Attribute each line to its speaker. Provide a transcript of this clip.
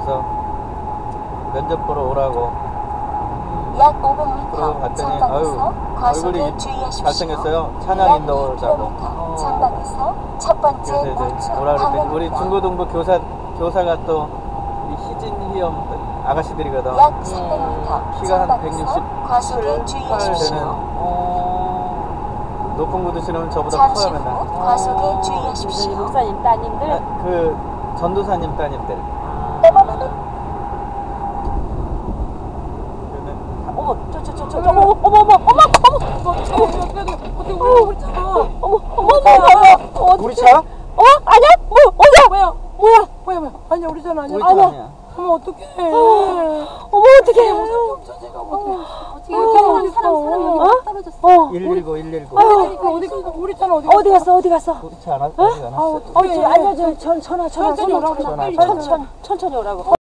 Speaker 1: 그래서 면접 보러 오라고.
Speaker 2: 약 500m
Speaker 1: 그러고 갔더니
Speaker 2: 전방에서 과속에
Speaker 1: 얼굴이
Speaker 2: 주의하십시오.
Speaker 1: 잘생겼어요. 찬양 인도자고.
Speaker 2: 전방에서 첫 번째
Speaker 1: 그래서 이제
Speaker 2: 우측
Speaker 1: 뭐라 그랬더니 우리
Speaker 2: 방향입니다.
Speaker 1: 중고등부 교사가 또 이 희진희염 아가씨들이거든.
Speaker 2: 약 300m
Speaker 1: 키가 한
Speaker 2: 전방에서 과속에
Speaker 1: 167, 8
Speaker 2: 주의하십시오.
Speaker 1: 되는 높은 구두 신으면 저보다
Speaker 2: 잠시
Speaker 1: 커요
Speaker 2: 후
Speaker 1: 맨날.
Speaker 2: 과속에 주의하십시오.
Speaker 3: 목사님 따님들.
Speaker 1: 그 전도사님 따님들.
Speaker 3: 어머,
Speaker 1: 우리 차?
Speaker 3: 아니야?
Speaker 4: 뭐야? 아니야, 우리 전 아니야.
Speaker 1: 우리 차 아니야.
Speaker 4: 어머, 어떡해.
Speaker 3: 어머, 어떡해.
Speaker 4: 없어지가
Speaker 3: 어?
Speaker 1: 119, 119.
Speaker 4: 어디 갔어? 우리 차는 어디 갔어?
Speaker 3: 어디 갔어? 어디 갔어?
Speaker 1: 우리 차 어디 가나?
Speaker 3: 알려줘. 전화.
Speaker 4: 천천히 오라고.
Speaker 1: 전화.
Speaker 3: 천천히 오라고.